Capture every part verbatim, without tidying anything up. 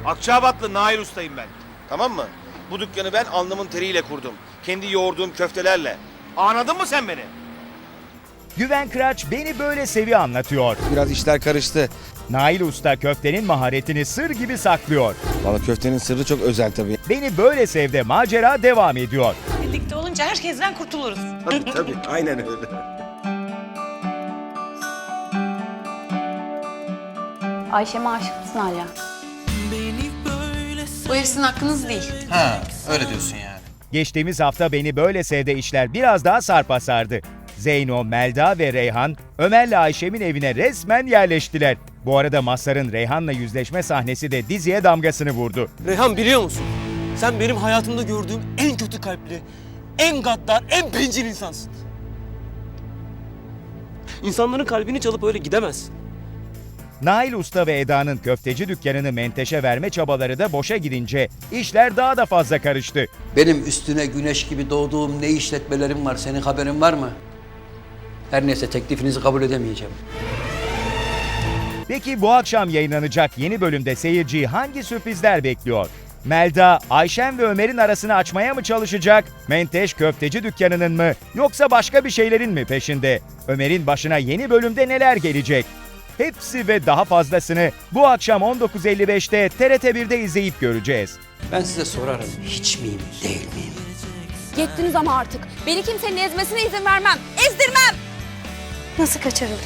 Akçabatlı Nail Usta'yım ben. Tamam mı? Bu dükkanı ben alnımın teriyle kurdum. Kendi yoğurduğum köftelerle. Anladın mı sen beni? Güven Kıraç beni böyle sevi anlatıyor. Biraz işler karıştı. Nail Usta köftenin maharetini sır gibi saklıyor. Valla köftenin sırrı çok özel tabii. Beni böyle sevde macera devam ediyor. Birlikte olunca herkesten kurtuluruz. Tabii tabii. Aynen öyle. Ayşem'e aşık mısın hala? Bu ev sizin hakkınız değil. Ha, öyle diyorsun yani. Geçtiğimiz hafta beni böyle sevde işler biraz daha sarpa sardı. Zeyno, Melda ve Reyhan Ömer'le Ayşem'in evine resmen yerleştiler. Bu arada Mazhar'ın Reyhan'la yüzleşme sahnesi de diziye damgasını vurdu. Reyhan biliyor musun? Sen benim hayatımda gördüğüm en kötü kalpli, en gaddar, en bencil insansın. İnsanların kalbini çalıp öyle gidemezsin. Nail Usta ve Eda'nın köfteci dükkanını Menteş'e verme çabaları da boşa gidince işler daha da fazla karıştı. Benim üstüne güneş gibi doğduğum ne işletmelerim var, senin haberin var mı? Her neyse teklifinizi kabul edemeyeceğim. Peki bu akşam yayınlanacak yeni bölümde seyirciyi hangi sürprizler bekliyor? Melda, Ayşen ve Ömer'in arasını açmaya mı çalışacak? Menteş köfteci dükkanının mı yoksa başka bir şeylerin mi peşinde? Ömer'in başına yeni bölümde neler gelecek? Hepsi ve daha fazlasını bu akşam on dokuz elli beşte T R T bir'de izleyip göreceğiz. Ben size sorarım, hiç miyim, değil miyim? Yettiniz ama artık. Beni kimsenin ezmesine izin vermem. Ezdirmem! Nasıl kaçırıldı?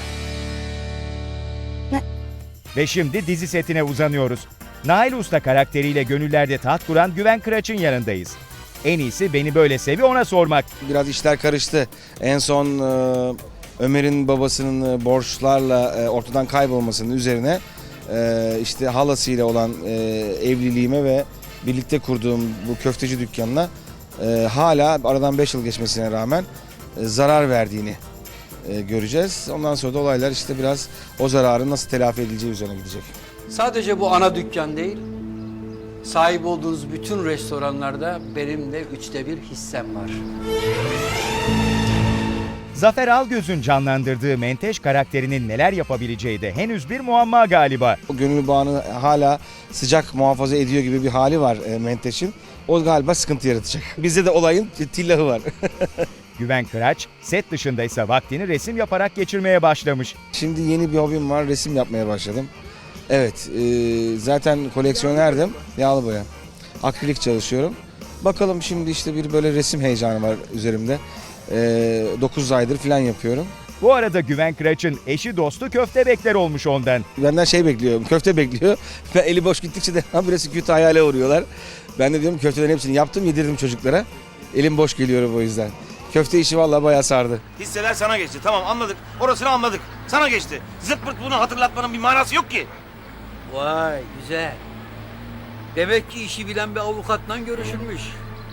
Ve şimdi dizi setine uzanıyoruz. Nail Usta karakteriyle gönüllerde taht kuran Güven Kıraç'ın yanındayız. En iyisi beni böyle sevi ona sormak. Biraz işler karıştı. En son e, Ömer'in babasının e, borçlarla e, ortadan kaybolmasının üzerine e, işte halasıyla olan e, evliliğime ve birlikte kurduğum bu köfteci dükkanına e, hala aradan beş yıl geçmesine rağmen e, zarar verdiğini e, göreceğiz. Ondan sonra da olaylar işte biraz o zararın nasıl telafi edileceği üzerine gidecek. Sadece bu ana dükkan değil, sahip olduğunuz bütün restoranlarda benim de üçte bir hissem var. Zafer Algöz'ün canlandırdığı Menteş karakterinin neler yapabileceği de henüz bir muamma galiba. O gönül bağını hala sıcak muhafaza ediyor gibi bir hali var e, Menteş'in. O galiba sıkıntı yaratacak. Bizde de olayın tillahı var. Güven Kıraç, set dışındaysa vaktini resim yaparak geçirmeye başlamış. Şimdi yeni bir hobim var, resim yapmaya başladım. Evet, e, zaten koleksiyonerdim, yağlı boya. Akrilik çalışıyorum. Bakalım şimdi işte bir böyle resim heyecanı var üzerimde. E, dokuz aydır falan yapıyorum. Bu arada Güven Kıraç'ın eşi dostu köfte bekler olmuş ondan. Benden şey bekliyor, köfte bekliyor. Ve eli boş gittikçe de birisi kötü hayale uğruyorlar. Ben de diyorum köftelerin hepsini yaptım, yedirdim çocuklara. Elim boş geliyor o yüzden. Köfte işi vallahi bayağı sardı. Hisseler sana geçti. Tamam anladık. Orasını anladık. Sana geçti. Zırt pırt bunu hatırlatmanın bir manası yok ki. Vay güzel. Demek ki işi bilen bir avukatla görüşülmüş.